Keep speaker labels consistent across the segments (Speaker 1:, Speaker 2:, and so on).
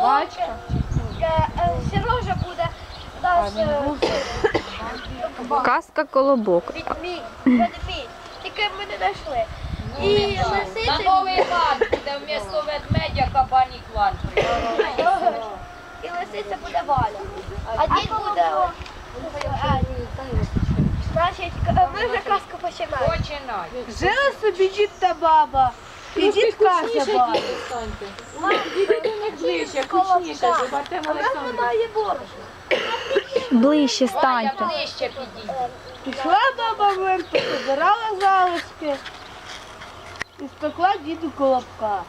Speaker 1: Собачка.
Speaker 2: Сережа буде наш
Speaker 3: Казка колобок.
Speaker 2: ведмідь. Тільки ми не знайшли. І
Speaker 1: На
Speaker 2: лисиця
Speaker 1: Новий лад буде вмісто ведмедя кабанік лад.
Speaker 2: буде Валя. А дід буде... Значить, ми вже казку починаємо.
Speaker 1: Починай.
Speaker 4: Жила собі дід та баба. І дід каже бабі.
Speaker 1: Ближче, кучніше, щоб Артем
Speaker 2: А в нас
Speaker 1: Олександрович.
Speaker 2: немає борщу.
Speaker 3: Ближче
Speaker 1: Валя,
Speaker 3: станьте.
Speaker 1: ближче підійди.
Speaker 4: Пішла баба в мирку, позирала залишки. І спекла діду колобка.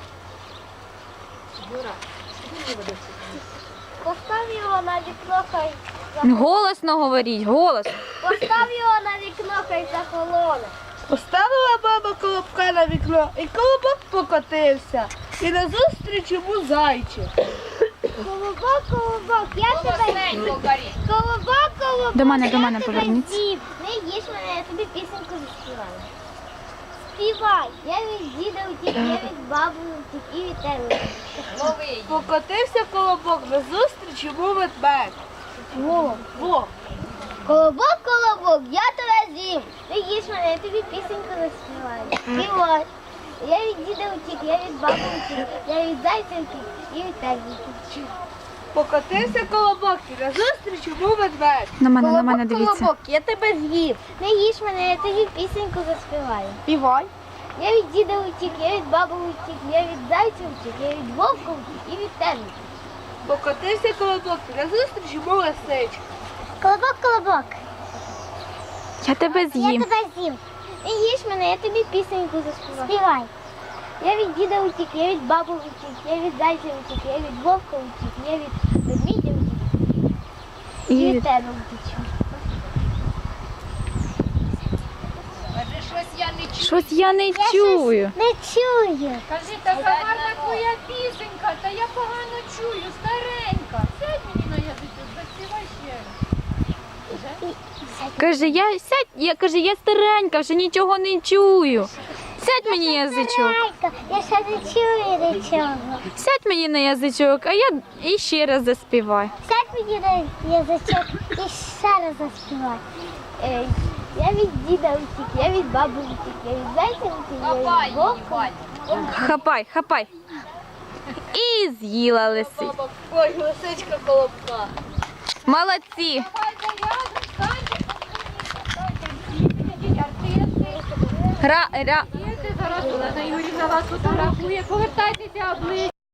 Speaker 2: Постав його на вікно, хай
Speaker 3: Голосно говоріть, голос.
Speaker 2: постав його на вікно, хай захолоне.
Speaker 4: Поставила баба колобка на вікно, і колобок покотився. І назустріч йому зайчик.
Speaker 2: Колобок, колобок, я тебе
Speaker 1: Голосненько горіть.
Speaker 2: колобок, колобок.
Speaker 3: До мене
Speaker 2: я тебе
Speaker 3: поверніться.
Speaker 2: з'їв. Не їж мене, я тобі пісеньку заспіваю. Співай, я від діда утік, я від баби утік і від тебе.
Speaker 1: Лови її.
Speaker 4: Покотився колобок, назустріч йому ведмедь. Во.
Speaker 2: Колобок, колобок, я тебе з'їм. Не їж мене, я тобі пісеньку заспіваю. Співай. Я від діда утік, я від баби утік, я від зайця утік і від тебе утік.
Speaker 4: Покотився колобок, і назустріч йому ведмедь.
Speaker 3: На мене дивіться.
Speaker 2: Колобок, я тебе з'їв. Не їж мене, я тобі пісеньку заспіваю.
Speaker 4: Співай.
Speaker 2: Я від діда утік, я від баби утік, я від зайця утік, я від вовка утік і від тебе утік.
Speaker 4: Покотився колобок, і назустріч йому лисичка.
Speaker 2: Колобок, колобок,
Speaker 3: Я тебе
Speaker 2: я
Speaker 3: з'їм.
Speaker 2: тебе з'їм. Не їж мене, я тобі пісеньку заспіваю. Співай. Я від діда утік, я від баби утік, я від зайця утік, я від вовка утік, я від ведмідя утік і
Speaker 3: І
Speaker 2: від тебе утічу.
Speaker 1: Каже, щось я не чую.
Speaker 3: щось я не чую.
Speaker 2: Не чую.
Speaker 1: Кажи, така гарна твоя пісенька, та я погано чую, старенька. Сядь мені на язичок, заспівай ще раз.
Speaker 3: Каже, я старенька, вже нічого не чую. Сядь мені язичок.
Speaker 2: Я ще не чую нічого.
Speaker 3: Сядь мені на язичок, а я і ще раз заспіваю.
Speaker 2: Сядь мені на язичок і ще раз заспівай. Я від діда утік, я від баби утік, я від зайця утік, я
Speaker 1: Хапай
Speaker 2: від
Speaker 1: її,
Speaker 2: вовка.
Speaker 1: Валь.
Speaker 3: Хапай, хапай. І з'їла лисицю.
Speaker 4: Ой, лисичка колобка.
Speaker 3: Молодці.
Speaker 1: Давайте рядом, станьте, ідіть, артисти.
Speaker 3: Ра.
Speaker 1: Артисти, зараз Олена Юрівна вас фотографує. Повертайтеся обличчя.